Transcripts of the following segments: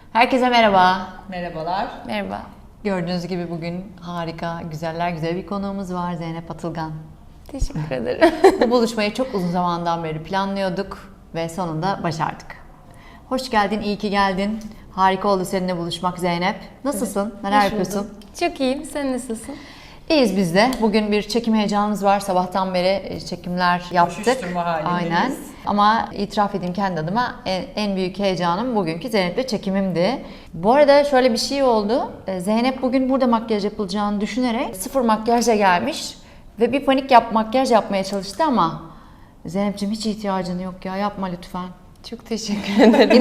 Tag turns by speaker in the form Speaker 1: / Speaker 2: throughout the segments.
Speaker 1: Herkese merhaba.
Speaker 2: Merhabalar.
Speaker 3: Merhaba.
Speaker 1: Gördüğünüz gibi bugün harika, güzeller güzel bir konuğumuz var, Zeynep Atılgan.
Speaker 3: Teşekkür ederim.
Speaker 1: Bu buluşmayı çok uzun zamandan beri planlıyorduk ve sonunda başardık. Hoş geldin, iyi ki geldin. Harika oldu seninle buluşmak Zeynep. Nasılsın? Neler
Speaker 3: Hoş
Speaker 1: yapıyorsun?
Speaker 3: bulduk. Çok iyiyim. Sen nasılsın?
Speaker 1: İyiyiz biz de. Bugün bir çekim heyecanımız var. Sabahtan beri çekimler yaptık.
Speaker 2: Koşuşturma halindeyiz.
Speaker 1: Aynen. Ama itiraf edeyim kendi adıma en büyük heyecanım bugünkü Zeynep'le çekimimdi. Bu arada şöyle bir şey oldu. Zeynep bugün burada makyaj yapılacağını düşünerek sıfır makyajla gelmiş ve bir makyaj yapmaya çalıştı ama Zeynep'ciğim hiç ihtiyacın yok ya, yapma lütfen.
Speaker 3: Çok teşekkür ederim.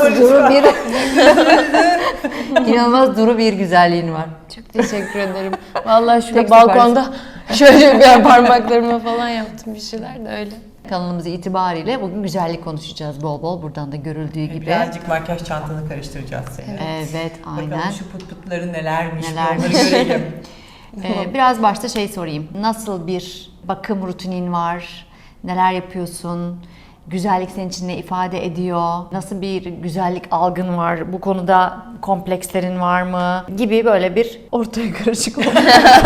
Speaker 1: İnanılmaz duru bir güzelliğin var.
Speaker 3: Çok teşekkür ederim. Vallahi şurada
Speaker 1: Tek
Speaker 3: balkonda şöyle bir parmaklarıma falan yaptım bir şeyler de öyle.
Speaker 1: Kanalımız itibariyle bugün güzellik konuşacağız bol bol. Buradan da görüldüğü gibi.
Speaker 2: Birazcık makyaj çantanı karıştıracağız seni.
Speaker 1: Evet, aynen.
Speaker 2: Bakalım şu pıt pıtları nelermiş,
Speaker 1: Nelermiş.
Speaker 2: onları görelim.
Speaker 1: Biraz başta sorayım. Nasıl bir bakım rutinin var? Neler yapıyorsun? Güzellik senin için ne ifade ediyor? Nasıl bir güzellik algın var? Bu konuda komplekslerin var mı? Gibi böyle bir ortaya karışık oldu.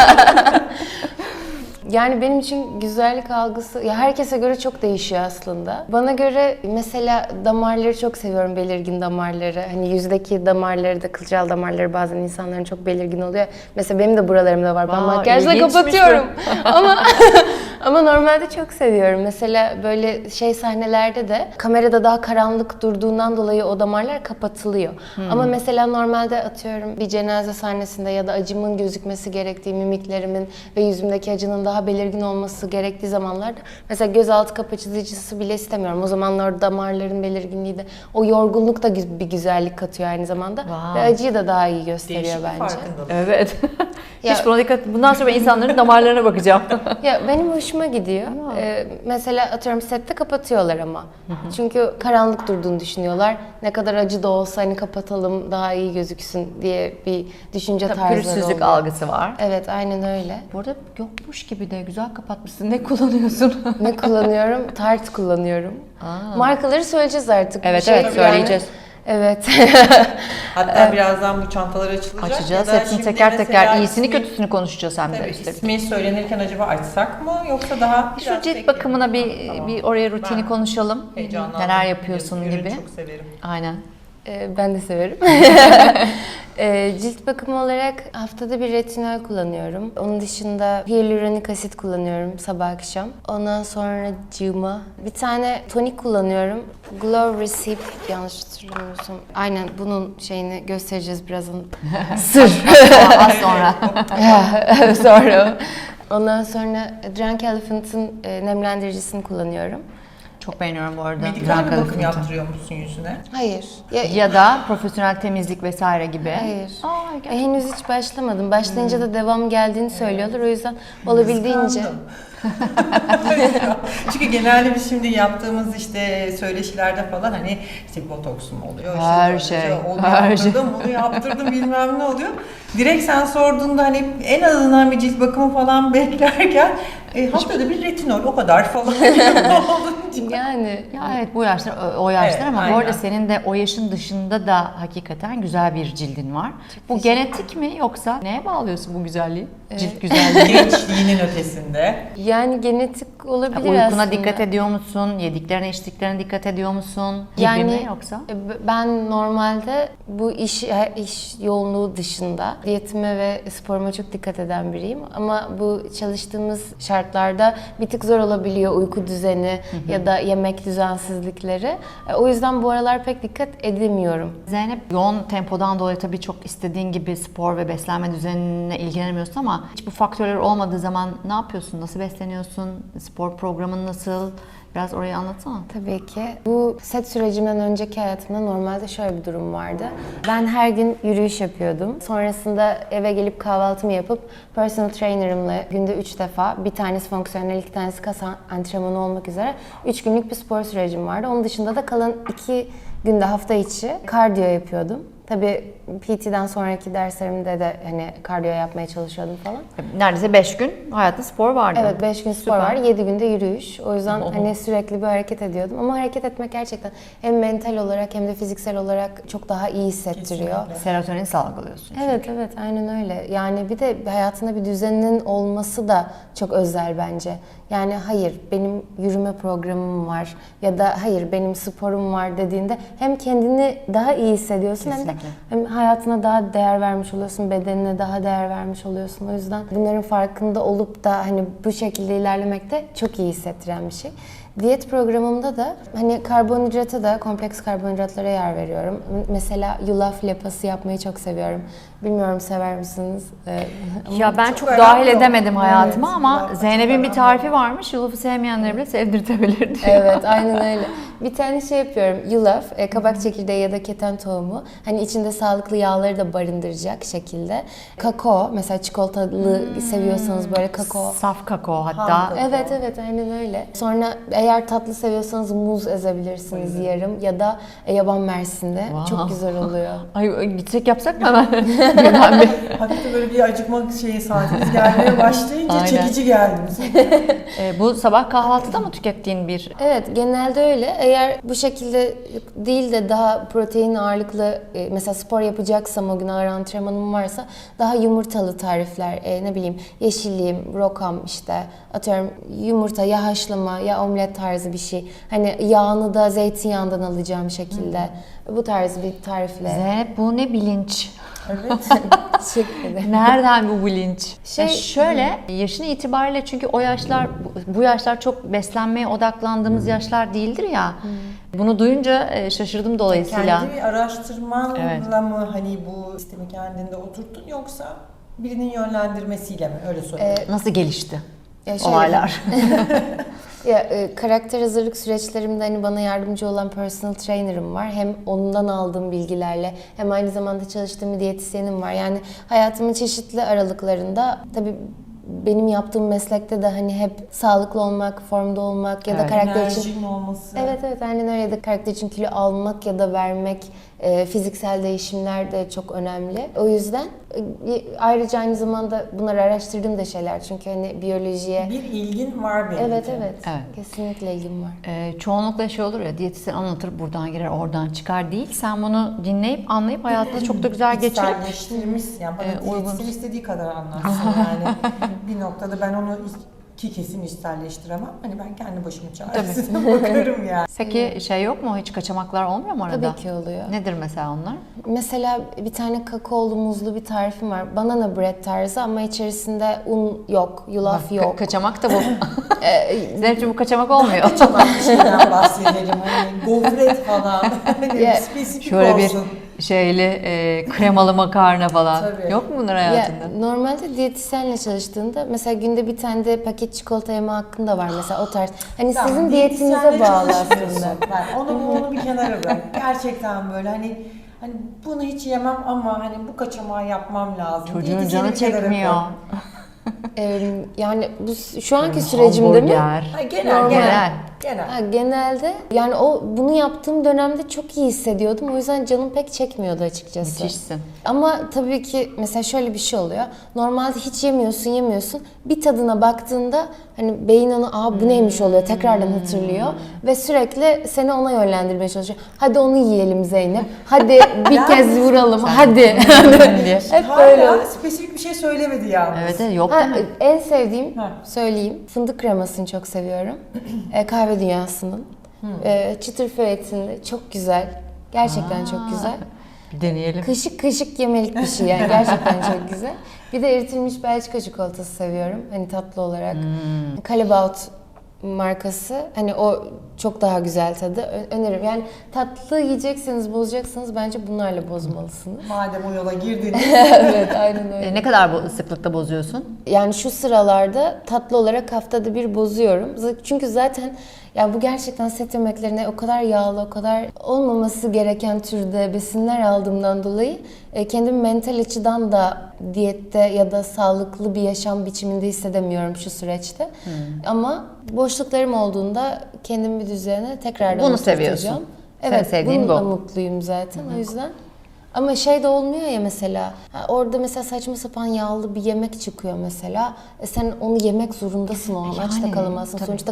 Speaker 3: Yani benim için güzellik algısı ya herkese göre çok değişiyor aslında. Bana göre mesela damarları çok seviyorum, belirgin damarları. Hani yüzdeki damarları da, kılcal damarları bazen insanların çok belirgin oluyor. Mesela benim de buralarımda var. Ben makyajla
Speaker 1: ilginçmiş
Speaker 3: kapatıyorum. Ama normalde çok seviyorum. Mesela böyle sahnelerde de kamerada daha karanlık durduğundan dolayı o damarlar kapatılıyor. Ama mesela normalde atıyorum bir cenaze sahnesinde ya da acımın gözükmesi gerektiği, mimiklerimin ve yüzümdeki acının daha belirgin olması gerektiği zamanlarda mesela gözaltı kapatıcısı bile istemiyorum. O zamanlar damarların belirginliği de o yorgunluk da bir güzellik katıyor aynı zamanda.
Speaker 1: Wow.
Speaker 3: Ve acıyı da daha iyi gösteriyor
Speaker 2: Değişik bir
Speaker 3: bence.
Speaker 2: farkındalık.
Speaker 1: Evet.
Speaker 3: Ya-
Speaker 1: Hiç buna dikkat. Bundan sonra ben insanların damarlarına bakacağım.
Speaker 3: Ya benim hoşuma gidiyor. Mesela atıyorum sette kapatıyorlar ama. Çünkü karanlık durduğunu düşünüyorlar. Ne kadar acı da olsa hani kapatalım daha iyi gözüksün diye bir düşünce tarzları
Speaker 1: Pürüzsüzlük
Speaker 3: oluyor.
Speaker 1: algısı var.
Speaker 3: Evet, aynen öyle.
Speaker 1: Bu arada yokmuş gibi de güzel kapatmışsın. Ne kullanıyorsun?
Speaker 3: Ne kullanıyorum? Tarte kullanıyorum. Markaları söyleyeceğiz artık.
Speaker 1: Evet,
Speaker 3: Bir
Speaker 1: evet,
Speaker 3: yani.
Speaker 1: söyleyeceğiz.
Speaker 3: Evet.
Speaker 2: Hatta birazdan bu çantalar açılacak.
Speaker 1: Açacağız.
Speaker 2: Ya da
Speaker 1: Hepsini
Speaker 2: şimdi
Speaker 1: teker
Speaker 2: mesela
Speaker 1: teker iyisini
Speaker 2: ismi-
Speaker 1: kötüsünü konuşacağız hem de
Speaker 2: Tabii
Speaker 1: üstelik.
Speaker 2: ismi söylenirken acaba açsak mı yoksa daha
Speaker 1: Şu
Speaker 2: biraz
Speaker 1: cilt
Speaker 2: bekleyelim.
Speaker 1: bakımına
Speaker 2: Tamam.
Speaker 1: bir oraya rutini
Speaker 2: Ben
Speaker 1: konuşalım.
Speaker 2: heyecanlandım.
Speaker 1: Neler yapıyorsun
Speaker 2: Ürün
Speaker 1: gibi.
Speaker 2: çok severim.
Speaker 1: Aynen.
Speaker 3: Ben de severim. Cilt bakımı olarak haftada bir retinol kullanıyorum. Onun dışında hyaluronik asit kullanıyorum sabah akşam. Ondan sonra cıma. Bir tane tonik kullanıyorum. Glow Receipt, yanlış hatırlamıyorsam. Aynen bunun şeyini göstereceğiz birazdan. Sır.
Speaker 1: Az sonra.
Speaker 3: Sonra. Ondan sonra Drunk Elephant'ın nemlendiricisini kullanıyorum.
Speaker 1: Çok beğeniyorum bu arada.
Speaker 2: Medikal bir
Speaker 1: Drunk
Speaker 2: bakım
Speaker 1: Elephant'ı.
Speaker 2: yaptırıyor musun yüzüne?
Speaker 3: Hayır.
Speaker 1: Ya da profesyonel temizlik vesaire gibi.
Speaker 3: Hayır.
Speaker 1: Aa, gerçekten.
Speaker 3: Henüz hiç başlamadım. Başlayınca da devam geldiğini söylüyorlar. O yüzden olabildiğince.
Speaker 2: Kıskandım. Çünkü genelde biz şimdi yaptığımız işte söyleşilerde falan hani işte botoks mu oluyor? işte
Speaker 1: Her
Speaker 2: böyle
Speaker 1: şey,
Speaker 2: Onu
Speaker 1: her
Speaker 2: yaptırdım, bunu yaptırdım bilmem ne oluyor. Direkt sen sorduğunda hani en azından bir cilt bakımı falan beklerken haftada bir retinol o kadar falan olunca.
Speaker 3: Yani
Speaker 1: Ya evet bu yaşlar o yaşlar
Speaker 2: Evet,
Speaker 1: ama bu
Speaker 2: aynen.
Speaker 1: arada senin de o yaşın dışında da hakikaten güzel bir cildin var. Bu genetik mi yoksa neye bağlıyorsun bu güzelliği? Cilt güzelliği.
Speaker 2: Gençliğinin ötesinde.
Speaker 3: yani genetik olabilir
Speaker 1: Uykuna
Speaker 3: aslında.
Speaker 1: dikkat ediyor musun? Yediklerine içtiklerine dikkat ediyor musun? Gibi
Speaker 3: Yani
Speaker 1: mi yoksa?
Speaker 3: Ben normalde bu iş yoğunluğu dışında diyetime ve sporuma çok dikkat eden biriyim. Ama bu çalıştığımız şartlarda bir tık zor olabiliyor uyku düzeni ya da yemek düzensizlikleri. O yüzden bu aralar pek dikkat edemiyorum.
Speaker 1: Zeynep yoğun tempodan dolayı tabii çok istediğin gibi spor ve beslenme düzenine ilgilenemiyorsun ama hiç bu faktörler olmadığı zaman ne yapıyorsun? Nasıl besleniyorsun? Spor programın nasıl? Biraz orayı anlatsana.
Speaker 3: Tabii ki. Bu set sürecimden önceki hayatımda normalde şöyle bir durum vardı. Ben her gün yürüyüş yapıyordum. Sonrasında eve gelip kahvaltımı yapıp personal trainer'ımla günde 3 defa, bir tanesi fonksiyonel, 2 tanesi kas antrenmanı olmak üzere 3 günlük bir spor sürecim vardı. Onun dışında da kalan 2 günde hafta içi kardiyo yapıyordum. Tabii PT'den sonraki derslerimde de hani kardiyo yapmaya çalışıyordum falan.
Speaker 1: Neredeyse 5 gün hayatında spor vardı.
Speaker 3: Evet, 5 gün spor
Speaker 1: Süper.
Speaker 3: var, 7 günde yürüyüş. O yüzden hani sürekli bir hareket ediyordum. Ama hareket etmek gerçekten hem mental olarak hem de fiziksel olarak çok daha iyi hissettiriyor.
Speaker 2: Kesinlikle.
Speaker 1: Serotonin salgılıyorsun.
Speaker 3: Evet, aynen öyle. Yani bir de hayatında bir düzeninin olması da çok özel bence. Yani hayır benim yürüme programım var ya da hayır benim sporum var dediğinde hem kendini daha iyi hissediyorsun
Speaker 1: Kesinlikle.
Speaker 3: hem hayatına daha değer vermiş oluyorsun, bedenine daha değer vermiş oluyorsun. O yüzden bunların farkında olup da hani bu şekilde ilerlemek de çok iyi hissettiren bir şey. Diyet programımda da hani karbonhidrata da kompleks karbonhidratlara yer veriyorum. Mesela yulaf lapası yapmayı çok seviyorum. Bilmiyorum sever misiniz?
Speaker 1: Ya ben
Speaker 2: çok
Speaker 1: çok
Speaker 2: önemli
Speaker 1: dahil
Speaker 2: o.
Speaker 1: edemedim hayatıma
Speaker 2: Evet,
Speaker 1: ama
Speaker 2: yulaf da
Speaker 1: Zeynep'in
Speaker 2: çok
Speaker 1: bir
Speaker 2: önemli.
Speaker 1: tarifi varmış. Yulafı sevmeyenleri bile sevdirtebilir diyor.
Speaker 3: Evet, aynen öyle. Bir tane şey yapıyorum. Yulaf, kabak çekirdeği ya da keten tohumu. Hani içinde sağlıklı yağları da barındıracak şekilde. Kakao, mesela çikolatalı seviyorsanız böyle kakao.
Speaker 1: Saf kakao hatta.
Speaker 2: Ham.
Speaker 3: Evet, aynen öyle. Sonra eğer tatlı seviyorsanız muz ezebilirsiniz yarım ya da yaban mersinde.
Speaker 1: Wow.
Speaker 3: Çok güzel oluyor.
Speaker 1: Ay gitsek yapsak mı hemen? Birden bir.
Speaker 2: Hafif de böyle bir acıkma saatimiz gelmeye başlayınca
Speaker 1: Aynen.
Speaker 2: çekici geldi bize.
Speaker 1: Bu sabah kahvaltıda mı tükettiğin bir...
Speaker 3: Evet, genelde öyle. Eğer bu şekilde değil de daha protein ağırlıklı, mesela spor yapacaksam o gün ağır antrenmanım varsa daha yumurtalı tarifler, ne bileyim yeşilliğim, rokam işte atıyorum yumurta ya haşlama ya omlet tarzı bir şey. Hani yağını da zeytinyağından alacağım şekilde. Bu tarz bir tarifle.
Speaker 1: Zeynep bu ne bilinç?
Speaker 2: Evet.
Speaker 3: Teşekkür ederim.
Speaker 1: Nereden bu bilinç?
Speaker 3: Şey-
Speaker 1: Şöyle yaşın itibariyle çünkü o yaşlar bu yaşlar çok beslenmeye odaklandığımız yaşlar değildir ya. Bunu duyunca şaşırdım dolayısıyla.
Speaker 2: Kendi bir araştırmanla
Speaker 1: Evet.
Speaker 2: mı hani bu sistemi kendinde oturttun yoksa birinin yönlendirmesiyle mi? Öyle sorayım.
Speaker 1: Nasıl gelişti
Speaker 3: Ya şöyle-
Speaker 1: olaylar?
Speaker 3: Ya, karakter hazırlık süreçlerimde hani bana yardımcı olan personal trainer'ım var. Hem ondan aldığım bilgilerle hem aynı zamanda çalıştığım bir diyetisyenim var. Yani hayatımın çeşitli aralıklarında tabii benim yaptığım meslekte de hani hep sağlıklı olmak, formda olmak ya da
Speaker 1: Evet.
Speaker 3: karakter için
Speaker 2: Enerjinin olması.
Speaker 3: Evet aynen öyle, ya da karakter için kilo almak ya da vermek, fiziksel değişimler de çok önemli. O yüzden ayrıca aynı zamanda bunları araştırdığım da şeyler çünkü hani biyolojiye
Speaker 2: Bir ilgin var belli
Speaker 3: evet
Speaker 2: ki.
Speaker 3: evet
Speaker 1: Evet.
Speaker 3: kesinlikle ilgim var.
Speaker 1: Çoğunlukla şey olur ya diyetisyen anlatır buradan girer oradan çıkar değil. Sen bunu dinleyip anlayıp hayatında çok da güzel geçirip
Speaker 2: İçselleştirmiş. Yani bana
Speaker 1: uygun.
Speaker 2: diyetisyen istediği kadar anlatsın yani. Bir noktada ben onu ki kesin içselleştiremem. Hani ben kendi başımın çaresine bakarım yani.
Speaker 1: Peki şey yok mu? Hiç kaçamaklar olmuyor mu arada?
Speaker 3: Tabii ki oluyor.
Speaker 1: Nedir mesela onlar?
Speaker 3: Mesela bir tane kakaolu muzlu bir tarifim var. Banana bread tarzı ama içerisinde un yok, yulaf
Speaker 1: Bak,
Speaker 3: yok.
Speaker 1: kaçamak da bu. Zeynep'ciğim bu kaçamak olmuyor.
Speaker 2: Kaçamak bir şeyden bahsedelim. Hani gofret falan. Hani
Speaker 3: Ya,
Speaker 2: spesifik
Speaker 1: Şöyle bir
Speaker 2: olsun.
Speaker 1: şeyli kremalı makarna falan.
Speaker 2: Tabii.
Speaker 1: Yok mu bunlar
Speaker 3: Ya,
Speaker 1: hayatında?
Speaker 3: normalde diyetisyenle çalıştığında mesela günde bir tane de paket çikolata yeme hakkın da var mesela o tarz. Hani
Speaker 2: Tamam,
Speaker 3: sizin
Speaker 2: diyetisyenle
Speaker 3: diyetinize bağlı
Speaker 2: çalışmıyorsun.
Speaker 3: aslında.
Speaker 2: Ben onu bir kenara bırak. Gerçekten böyle hani bunu hiç yemem ama hani bu kaçamağı yapmam lazım.
Speaker 1: Çocuğun
Speaker 2: Diyetisyeni
Speaker 1: canı
Speaker 2: bir kenara
Speaker 1: çekmiyor.
Speaker 2: koy.
Speaker 3: Yani bu şu anki sürecimde mi?
Speaker 1: Hamburger.
Speaker 2: Ha, genel. Genel.
Speaker 3: Ha, genelde yani bunu yaptığım dönemde çok iyi hissediyordum. O yüzden canım pek çekmiyordu açıkçası.
Speaker 1: Müthişsin.
Speaker 3: Ama tabii ki mesela şöyle bir şey oluyor. Normalde hiç yemiyorsun. Bir tadına baktığında hani beyin onu bu neymiş oluyor tekrardan hatırlıyor. Ve sürekli seni ona yönlendirmeye çalışıyor. Hadi onu yiyelim Zeynep. Hadi bir kez vuralım. Hadi. Hep böyle.
Speaker 2: Hala spesifik bir şey söylemedi yalnız.
Speaker 1: Evet yok
Speaker 3: Ha,
Speaker 1: değil mi?
Speaker 3: en sevdiğim
Speaker 2: Ha.
Speaker 3: söyleyeyim. Fındık kremasını çok seviyorum. Kahve dünyasının. Çıtır föğetinde çok güzel. Gerçekten çok güzel.
Speaker 1: Bir deneyelim.
Speaker 3: Kaşık kaşık yemelik bir şey yani. Gerçekten çok güzel. Bir de eritilmiş Belçika çikolatası seviyorum. Hani tatlı olarak. Callebaut markası. Hani o çok daha güzel tadı. Öneririm. Yani tatlı yiyecekseniz, bozacaksınız bence bunlarla bozmalısınız.
Speaker 2: Madem o yola girdiniz.
Speaker 3: Evet, aynen öyle.
Speaker 1: Ne kadar sıklıkta bozuyorsun?
Speaker 3: Yani şu sıralarda tatlı olarak haftada bir bozuyorum. Çünkü zaten ya bu gerçekten set yemeklerine o kadar yağlı, o kadar olmaması gereken türde besinler aldığımdan dolayı kendimi mental açıdan da diyette ya da sağlıklı bir yaşam biçiminde hissedemiyorum şu süreçte. Ama boşluklarım olduğunda kendimi bir düzene tekrardan
Speaker 1: Bunu
Speaker 3: oturtacağım.
Speaker 1: seviyorsun.
Speaker 3: Evet,
Speaker 1: Senin sevdiğin
Speaker 3: bununla
Speaker 1: bu.
Speaker 3: mutluyum zaten. O yüzden Ama şey de olmuyor ya mesela. Orada mesela saçma sapan yağlı bir yemek çıkıyor mesela. Sen onu yemek zorundasın o an. Aç da
Speaker 1: Yani,
Speaker 3: kalamazsın.
Speaker 1: tabii.
Speaker 3: Sonuçta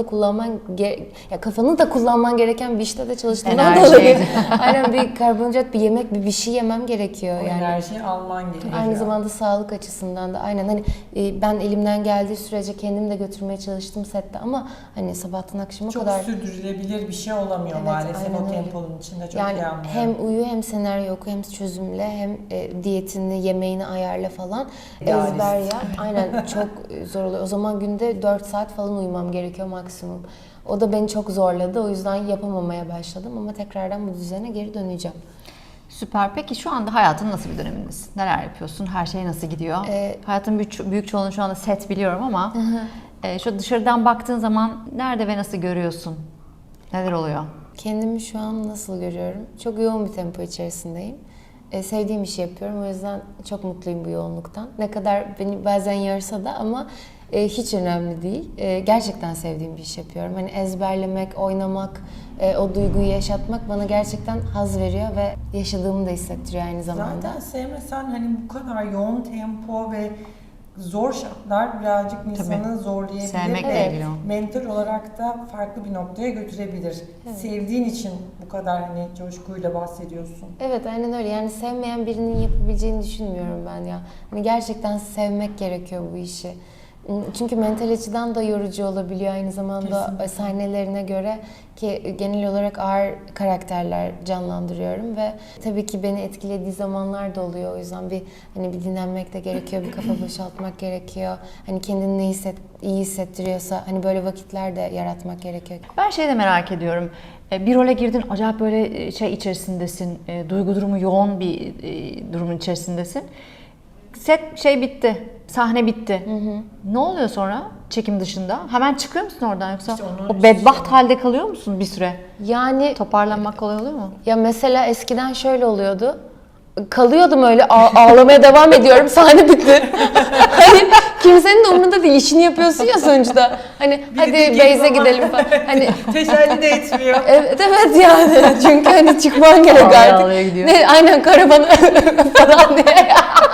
Speaker 3: kafanı da kullanman gereken bir işte de çalıştığından
Speaker 1: Enerji.
Speaker 3: dolayı. Aynen, bir karbonhidrat, bir yemek, bir şey yemem gerekiyor
Speaker 2: O
Speaker 3: yani.
Speaker 2: enerjiyi alman gerekiyor.
Speaker 3: Aynı zamanda sağlık açısından da aynen, hani ben elimden geldiği sürece kendim de götürmeye çalıştım sette ama hani sabahtan akşama
Speaker 2: çok
Speaker 3: kadar
Speaker 2: sürdürülebilir bir şey olamıyor
Speaker 3: Evet,
Speaker 2: maalesef
Speaker 3: aynen
Speaker 2: o
Speaker 3: öyle.
Speaker 2: temponun içinde, çok
Speaker 3: yani
Speaker 2: iyi anlıyorum.
Speaker 3: hem uyu hem senaryo oku hem çözümle hem diyetini yemeğini ayarla falan,
Speaker 2: İdealist.
Speaker 3: ezber yap. Aynen, çok zor oluyor. O zaman günde 4 saat falan uyumam gerekiyor maksimum. O da beni çok zorladı. O yüzden yapamamaya başladım ama tekrardan bu düzene geri döneceğim.
Speaker 1: Süper. Peki şu anda hayatın nasıl bir dönemindesin? Neler yapıyorsun? Her şey nasıl gidiyor? Hayatın büyük çoğunluğu şu anda set biliyorum ama şu dışarıdan baktığın zaman nerede ve nasıl görüyorsun? Neler oluyor?
Speaker 3: Kendimi şu an nasıl görüyorum? Çok yoğun bir tempo içerisindeyim. Sevdiğim işi yapıyorum. O yüzden çok mutluyum bu yoğunluktan. Ne kadar beni bazen yorsa da ama hiç önemli değil. Gerçekten sevdiğim bir iş yapıyorum. Hani ezberlemek, oynamak, o duyguyu yaşatmak bana gerçekten haz veriyor ve yaşadığımı da hissettiriyor aynı zamanda.
Speaker 2: Zaten sevmesen hani bu kadar yoğun tempo ve zor şartlar birazcık insanı zorlayabilir
Speaker 1: Sevmekle
Speaker 2: ve
Speaker 1: ilgili o.
Speaker 2: mental olarak da farklı bir noktaya götürebilir. Sevdiğin için bu kadar hani coşkuyla bahsediyorsun.
Speaker 3: Evet, aynen öyle. Yani sevmeyen birinin yapabileceğini düşünmüyorum ben ya. Hani gerçekten sevmek gerekiyor bu işi. Çünkü mental açıdan da yorucu olabiliyor aynı zamanda.
Speaker 2: Kesinlikle.
Speaker 3: Sahnelerine göre, ki genel olarak ağır karakterler canlandırıyorum ve tabii ki beni etkilediği zamanlar da oluyor. O yüzden bir dinlenmek de gerekiyor, bir kafa boşaltmak gerekiyor. Hani kendini iyi hissettiriyorsa hani böyle vakitler de yaratmak gerekiyor.
Speaker 1: Ben şey de merak ediyorum. Bir role girdin, acayip böyle şey içerisindesin, duygu durumu yoğun bir durumun içerisindesin. Set şey bitti, sahne bitti. Ne oluyor sonra çekim dışında? Hemen çıkıyor musun oradan yoksa
Speaker 2: İşte onu
Speaker 1: o bedbaht halde kalıyor musun bir süre?
Speaker 3: Yani
Speaker 1: Toparlanmak kolay oluyor mu?
Speaker 3: ya mesela eskiden şöyle oluyordu. Kalıyordum öyle, ağlamaya devam ediyorum, sahne bitti. Hani kimsenin de umurunda değil, işini yapıyorsun ya sonuçta. Hani hadi
Speaker 2: de gelip
Speaker 3: Beyze
Speaker 2: ama-
Speaker 3: gidelim falan. Hani
Speaker 2: Teselli de etmiyor.
Speaker 3: evet yani çünkü hani çıkman gerek
Speaker 1: Ağlaya
Speaker 3: artık.
Speaker 1: ağlaya gidiyor.
Speaker 3: Aynen, karavana falan diye.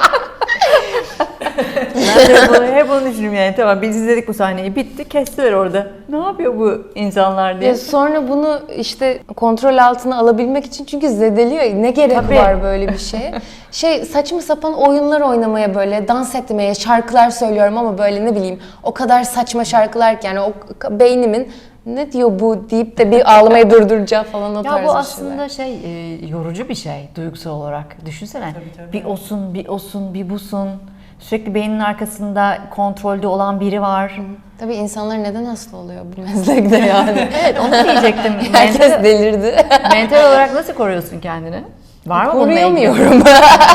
Speaker 1: Ben de hep onu düşünüyorum yani. Tamam, biz izledik bu sahneyi, bitti, kestiler orada. Ne yapıyor bu insanlar diye.
Speaker 3: Ya sonra bunu işte kontrol altına alabilmek için, çünkü zedeliyor. Ne gerek
Speaker 1: Tabii.
Speaker 3: var böyle bir şeye? Saçma sapan oyunlar oynamaya, böyle dans etmeye, şarkılar söylüyorum ama böyle ne bileyim o kadar saçma şarkılar ki yani o beynimin ne diyor bu deyip de bir ağlamayı durduracağım falan, o tarz
Speaker 1: Ya
Speaker 3: bir
Speaker 1: bu
Speaker 3: şeyler.
Speaker 1: aslında yorucu bir şey duygusal olarak. Düşünsene.
Speaker 2: Tabii.
Speaker 1: Bir osun, bir osun, bir busun. Sürekli beynin arkasında kontrolde olan biri var.
Speaker 3: Tabii insanlar neden hasta oluyor bu meslekte yani?
Speaker 1: Evet, onu diyecektim.
Speaker 3: Herkes delirdi.
Speaker 1: Mental olarak nasıl koruyorsun kendini? Var mı bununla ilgili?
Speaker 3: Koruyamıyorum.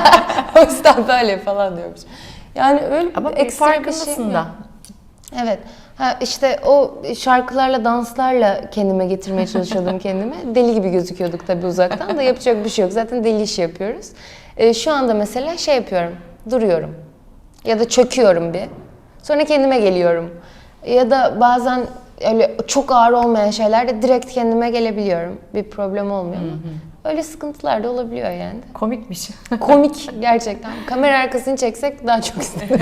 Speaker 3: O yüzden böyle falan diyormuş. Yani öyle
Speaker 1: Ama bir
Speaker 3: ekstra bir şey
Speaker 1: farkındasın
Speaker 3: yok.
Speaker 1: da.
Speaker 3: Evet. İşte o şarkılarla, danslarla kendime getirmeye çalışıyordum kendime. Deli gibi gözüküyorduk tabii uzaktan da, yapacak bir şey yok. Zaten deli işi yapıyoruz. Şu anda mesela şey yapıyorum, duruyorum. Ya da çöküyorum bir. Sonra kendime geliyorum. Ya da bazen öyle çok ağır olmayan şeylerde direkt kendime gelebiliyorum. Bir problem olmuyor ama öyle sıkıntılar da olabiliyor yani.
Speaker 1: Komikmiş.
Speaker 3: Komik gerçekten. Kamera arkasını çeksek daha çok isterim.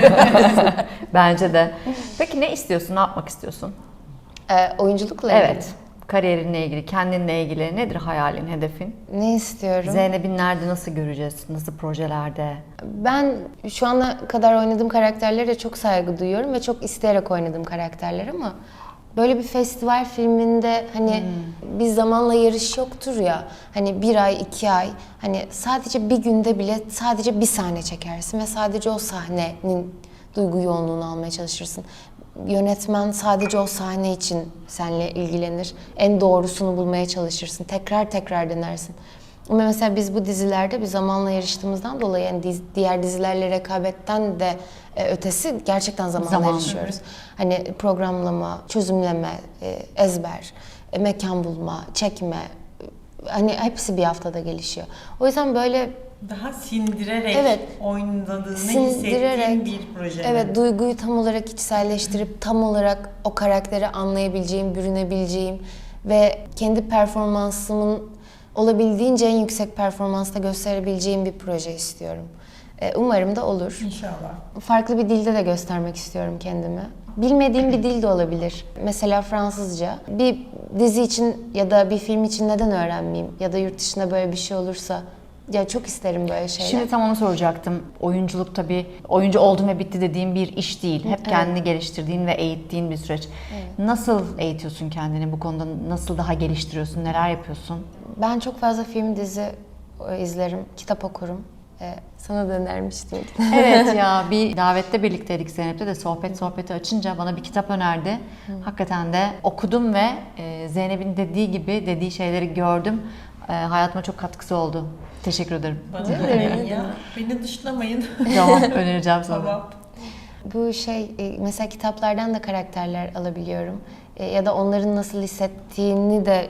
Speaker 1: Bence de. Peki ne istiyorsun? Ne yapmak istiyorsun?
Speaker 3: Oyunculukla ilgili.
Speaker 1: Evet. Kariyerinle ilgili, kendinle ilgili nedir hayalin, hedefin?
Speaker 3: Ne istiyorum?
Speaker 1: Zeynep'i nerede, nasıl göreceğiz? Nasıl projelerde?
Speaker 3: Ben şu ana kadar oynadığım karakterlere çok saygı duyuyorum ve çok isteyerek oynadığım karakterler ama böyle bir festival filminde hani bir zamanla yarış yoktur ya, hani 1 ay 2 ay, hani sadece bir günde bile sadece bir sahne çekersin ve sadece o sahnenin duygu yoğunluğunu almaya çalışırsın. Yönetmen sadece o sahne için seninle ilgilenir. En doğrusunu bulmaya çalışırsın. Tekrar tekrar denersin. Ama mesela biz bu dizilerde bir zamanla yarıştığımızdan dolayı yani diğer dizilerle rekabetten de ötesi gerçekten zamanla yarışıyoruz. Hani programlama, çözümleme, ezber, mekan bulma, çekme, hani hepsi bir haftada gelişiyor. O yüzden böyle
Speaker 2: Daha sindirerek
Speaker 3: Evet.
Speaker 2: oynadığını
Speaker 3: sindirerek,
Speaker 2: hissettiğin bir proje.
Speaker 3: evet, duyguyu tam olarak içselleştirip tam olarak o karakteri anlayabileceğim, bürünebileceğim ve kendi performansımın olabildiğince en yüksek performansta gösterebileceğim bir proje istiyorum. Umarım da olur.
Speaker 2: İnşallah.
Speaker 3: Farklı bir dilde de göstermek istiyorum kendimi. Bilmediğim bir dil de olabilir. Mesela Fransızca. Bir dizi için ya da bir film için neden öğrenmeyeyim? Ya da yurt dışında böyle bir şey olursa. Ya çok isterim böyle şeyler.
Speaker 1: Şimdi tam onu soracaktım. Oyunculuk tabii oyuncu oldum ve bitti dediğim bir iş değil. Hep kendini geliştirdiğin ve eğittiğin bir süreç. Nasıl eğitiyorsun kendini bu konuda? Nasıl daha geliştiriyorsun? Neler yapıyorsun?
Speaker 3: Ben çok fazla film, dizi izlerim, kitap okurum. Sana da önermiştim.
Speaker 1: Evet ya, bir davette birlikteydik Zeynep'le de sohbeti açınca bana bir kitap önerdi. Hakikaten de okudum ve Zeynep'in dediği şeyleri gördüm. Hayatıma çok katkısı oldu. Teşekkür ederim.
Speaker 2: Bana da önerin ya. Beni dışlamayın.
Speaker 1: Tamam, önereceğim sana.
Speaker 2: Tamam.
Speaker 3: Bu mesela kitaplardan da karakterler alabiliyorum. Ya da onların nasıl hissettiğini de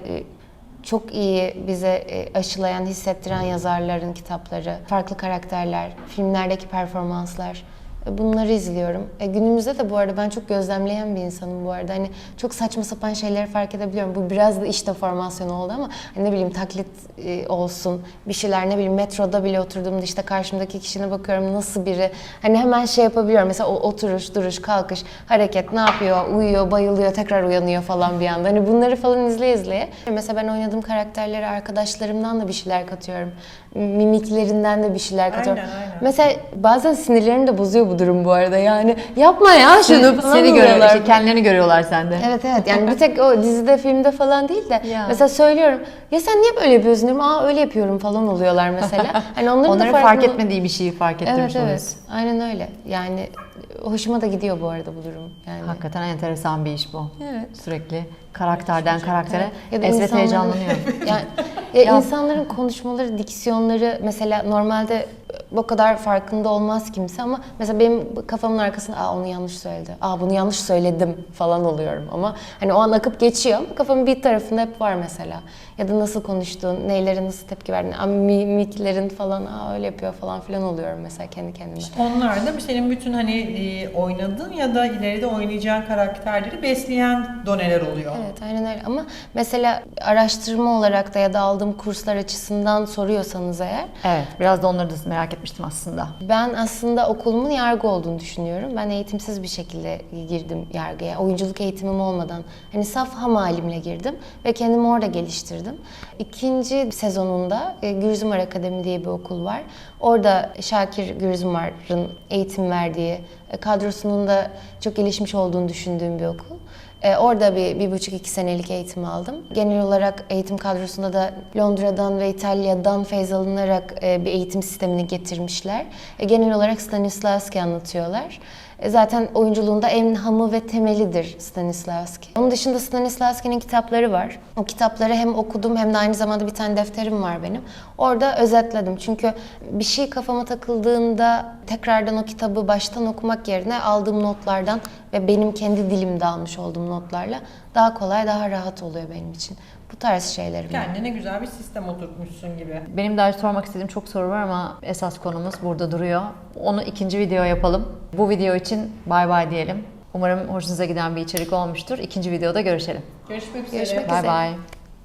Speaker 3: çok iyi bize aşılayan, hissettiren yazarların kitapları, farklı karakterler, filmlerdeki performanslar. Bunları izliyorum. Günümüzde de bu arada ben çok gözlemleyen bir insanım bu arada. Hani çok saçma sapan şeyleri fark edebiliyorum. Bu biraz da iş deformasyonu oldu ama hani ne bileyim taklit olsun, bir şeyler, ne bileyim metroda bile oturduğumda işte karşımdaki kişine bakıyorum nasıl biri. Hani hemen şey yapabiliyorum. Mesela o oturuş, duruş, kalkış, hareket, ne yapıyor, uyuyor, bayılıyor, tekrar uyanıyor falan bir anda. Hani bunları falan izleye. Mesela ben oynadığım karakterlere arkadaşlarımdan da bir şeyler katıyorum. Mimiklerinden de bir şeyler katıyorum.
Speaker 2: Aynen.
Speaker 3: Mesela bazen sinirlerimi de bozuyor bu durum bu arada, yani yapma ya şunu falan
Speaker 1: Seni
Speaker 3: oluyorlar.
Speaker 1: görüyorlar, kendilerini görüyorlar sende.
Speaker 3: Evet yani bir tek o dizide, filmde falan değil de
Speaker 1: Ya.
Speaker 3: mesela söylüyorum ya sen niye böyle yapıyorsun diyorum, öyle yapıyorum falan oluyorlar mesela. Hani
Speaker 1: Onların
Speaker 3: da
Speaker 1: fark etmediği bir şeyi fark ettirmiş
Speaker 3: Evet
Speaker 1: oluyorsun.
Speaker 3: aynen öyle, yani hoşuma da gidiyor bu arada bu durum yani.
Speaker 1: Hakikaten enteresan bir iş bu.
Speaker 3: Evet.
Speaker 1: Sürekli karakterden karaktere
Speaker 3: Ya da
Speaker 1: Esret
Speaker 3: insanların-
Speaker 1: heyecanlanıyor.
Speaker 3: Yani insanların konuşmaları, diksiyonları mesela normalde o kadar farkında olmaz kimse ama mesela benim kafamın arkasında onu yanlış söyledi, bunu yanlış söyledim falan oluyorum ama hani o an akıp geçiyor ama kafamın bir tarafında hep var mesela. Ya da nasıl konuştuğun, neylere nasıl tepki verdin, mimiklerin falan öyle yapıyor falan filan oluyorum mesela kendi kendime.
Speaker 2: Onlar da senin bütün hani oynadığın ya da ileride oynayacağın karakterleri besleyen doneler oluyor.
Speaker 3: Evet aynen öyle ama mesela araştırma olarak da ya da aldığım kurslar açısından soruyorsanız eğer,
Speaker 1: Evet, biraz da onları da merak etmiştim aslında.
Speaker 3: ben aslında okulumun yargı olduğunu düşünüyorum. Ben eğitimsiz bir şekilde girdim yargıya. Oyunculuk eğitimim olmadan. Hani saf ham halimle girdim ve kendimi orada geliştirdim. İkinci sezonunda Gürzumar Akademi diye bir okul var. Orada Şakir Gürzumar'ın eğitim verdiği, kadrosunun da çok gelişmiş olduğunu düşündüğüm bir okul. Orada bir buçuk iki senelik eğitim aldım. Genel olarak eğitim kadrosunda da Londra'dan ve İtalya'dan feyz alınarak bir eğitim sistemini getirmişler. Genel olarak Stanislavski anlatıyorlar. Zaten oyunculuğunda en hamı ve temelidir Stanislavski. Onun dışında Stanislavski'nin kitapları var. O kitapları hem okudum hem de aynı zamanda bir tane defterim var benim. Orada özetledim. Çünkü bir şey kafama takıldığında tekrardan o kitabı baştan okumak yerine aldığım notlardan ve benim kendi dilimde almış olduğum notlarla daha kolay, daha rahat oluyor benim için. Bu tarz şeylerim var.
Speaker 2: Kendine güzel bir sistem oturtmuşsun gibi.
Speaker 1: Benim daha sormak istediğim çok soru var ama esas konumuz burada duruyor. Onu ikinci video yapalım. Bu video için bay bay diyelim. Umarım hoşunuza giden bir içerik olmuştur. İkinci videoda görüşelim.
Speaker 2: Görüşmek üzere.
Speaker 3: Görüşmek
Speaker 1: Bay
Speaker 3: üzere.
Speaker 1: bay.